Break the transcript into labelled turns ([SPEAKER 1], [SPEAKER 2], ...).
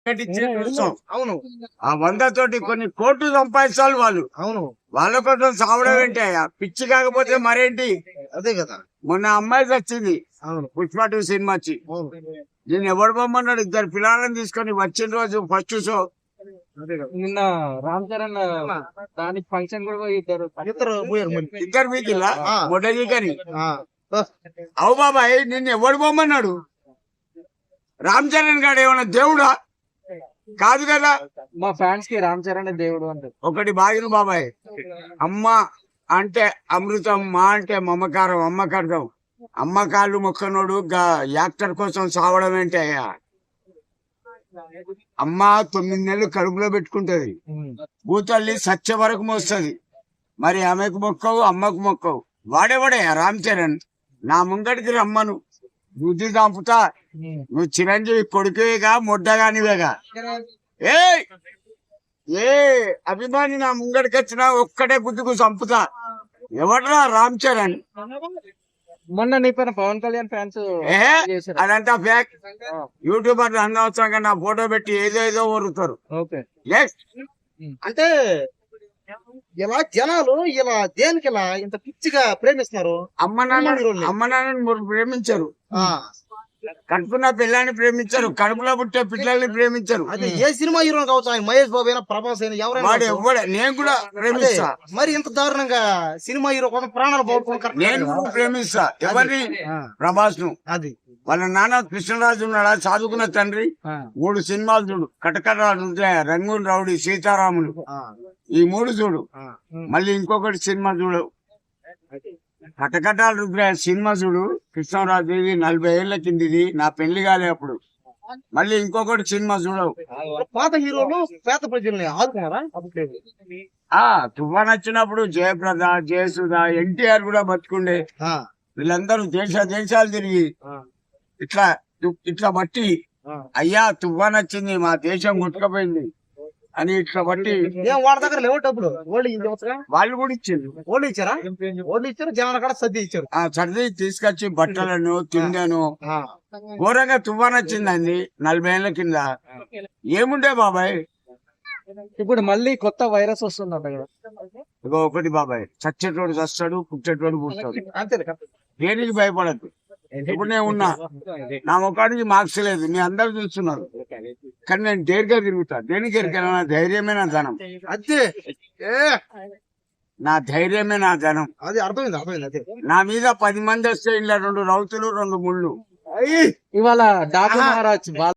[SPEAKER 1] అవును.
[SPEAKER 2] ఆ 100 తోటి కొన్ని కోట్లు సంపాదించాలి వాళ్ళు.
[SPEAKER 1] అవును.
[SPEAKER 2] వాళ్ళ కోసం సావడం ఏంటి అయ్యా? పిచ్చి కాకపోతే మరేంటి?
[SPEAKER 1] అదే కదా.
[SPEAKER 2] మొన్న అమ్మాయి వచ్చింది
[SPEAKER 1] అవును.
[SPEAKER 2] పుష్ప 2 సినిమా వచ్చి.
[SPEAKER 1] అవును.
[SPEAKER 2] నేను ఎవడు పొమ్మన్నాడు? 2 పిల్లలను తీసుకొని వచ్చిన రోజు ఫస్ట్ షో.
[SPEAKER 1] అదే కదా.
[SPEAKER 3] నిన్న రామ్ చరణ్ దానికి ఫంక్షన్ కూడా పోయి ఇద్దరు
[SPEAKER 1] పోయారు మరి.
[SPEAKER 2] 2 మీకిల్లా
[SPEAKER 1] ఆ.
[SPEAKER 2] మొదటికని.
[SPEAKER 1] ఆ.
[SPEAKER 2] అవు బాబాయ్, నిన్ను ఎవడు పొమ్మన్నాడు? రామ్ చరణ్ గారు ఏమన్నా దేవుడా? కాదు కదా.
[SPEAKER 3] మా ఫ్యాన్స్ కి రామ్ చరణ్ దేవుడు అంటారు.
[SPEAKER 2] ఒకటి బాగిన బాబాయ్, అమ్మ అంటే అమృతం, మా అంటే మమకారం, అమ్మకార్థం. అమ్మ కాళ్ళు మొక్కనోడు యాక్టర్ కోసం సావడం ఏంటి అయ్యా? అమ్మ 9 నెలలు కడుపులో పెట్టుకుంటది, భూతల్లి సత్య వరకు మోస్తుంది. మరి ఆమెకు మొక్కవు, అమ్మకు మొక్కవు. వాడేవాడే రామ్ చరణ్? నా ముంగడికి రమ్మను, బుద్ధి చంపుతా. నువ్వు చిరంజీవి కొడుకువేగా, మొడ్డగానివేగా. ఏ అభిమాని నా ముంగడికి వచ్చినా ఒక్కటే గుద్దుకు చంపుతా. ఎవడరా రామ్ చరణ్?
[SPEAKER 3] మొన్న నీ పైన పవన్ కళ్యాణ్ ఫ్యాన్స్
[SPEAKER 2] అదంతా ఫేక్. యూట్యూబర్ అనవసరంగా నా ఫోటో పెట్టి ఏదో ఊరుతారు.
[SPEAKER 1] అంటే ఇలా జనాలు ఇలా దేనికి ఇలా ఇంత పిచ్చిగా ప్రేమిస్తున్నారు?
[SPEAKER 2] అమ్మ నాన్నని ప్రేమించరు, కడుపున పిల్లని ప్రేమించరు, కడుపులో పుట్టే పిల్లల్ని ప్రేమించరు.
[SPEAKER 1] అదే ఏ సినిమా హీరో కావచ్చు, మహేష్ బాబు అయినా, ప్రభాస్ అయినా, ఎవరైనా.
[SPEAKER 2] నేను కూడా ప్రేమిస్తా.
[SPEAKER 1] మరి ఇంత దారుణంగా సినిమా హీరో కోసం ప్రాణాలు పోగొట్టుకోవడం
[SPEAKER 2] నేను ప్రేమిస్తా. ఎవరిని? ప్రభాస్ ను.
[SPEAKER 1] అది
[SPEAKER 2] వాళ్ళ నాన్న కృష్ణరాజు ఉన్నాడా, చదువుకున్న తండ్రి. 3 సినిమాలు చూడు, కటకటాలు, రంగూన్ రౌడీ, సీతారాములు, ఈ 3 చూడు. మళ్ళీ ఇంకొకటి సినిమా చూడు, కటకటాలు రుద్రాయ సినిమా చూడు. కృష్ణరాజు, ఇది 40 ఏళ్ల కిందిది, నా పెళ్లి కాలే అప్పుడు. మళ్ళీ ఇంకొకటి సినిమా చూడవు.
[SPEAKER 1] పాత హీరోలు పేద ప్రజల్ని ఆదుకున్నారా?
[SPEAKER 2] తుఫాన్ వచ్చినప్పుడు జయప్రద, జయసుధ, ఎన్టీఆర్ కూడా బతుకుండే. వీళ్ళందరూ దేశాలు తిరిగి ఇట్లా బట్టి, అయ్యా తుఫాన్ వచ్చింది, మా దేశం కొట్టుకపోయింది అని ఇట్లా బట్టి.
[SPEAKER 1] వాళ్ళ దగ్గర లేవు డబ్బులు,
[SPEAKER 2] వాళ్ళు కూడా ఇచ్చింది.
[SPEAKER 1] ఓళ్ళు ఇచ్చారు, జనాల కూడా సర్ది ఇచ్చారు.
[SPEAKER 2] సర్ది తీసుకొచ్చి బట్టలను, తిండాను. ఘోరంగా తుఫాన్ వచ్చిందండి 40 ఏళ్ల కింద. ఏముండే బాబాయ్?
[SPEAKER 3] ఇప్పుడు మళ్ళీ కొత్త వైరస్ వస్తుందంట కదా.
[SPEAKER 2] ఇగో ఒకటి బాబాయ్, చచ్చేటోడు చస్తాడు, పుట్టేటోడు పుట్టాడు.
[SPEAKER 1] అంతే.
[SPEAKER 2] దేనికి భయపడద్దు. ఇప్పుడు నేను ఉన్నా, నా ముఖానికి మార్క్స్ లేదు, మీ అందరు చూస్తున్నారు. కానీ నేను డేర్గా తిరుగుతా. దేనికి ఎరికైనా? నా ధైర్యమే నా ధనం.
[SPEAKER 1] అంతే.
[SPEAKER 2] నా ధైర్యమే నా ధనం.
[SPEAKER 1] అది అర్థమైంది. అదే
[SPEAKER 2] నా మీద 10 మంది వస్తే ఇలా 2 రౌతులు, 2 ముళ్ళు.
[SPEAKER 3] ఇవాళ డాక్టర్ మహారాజ్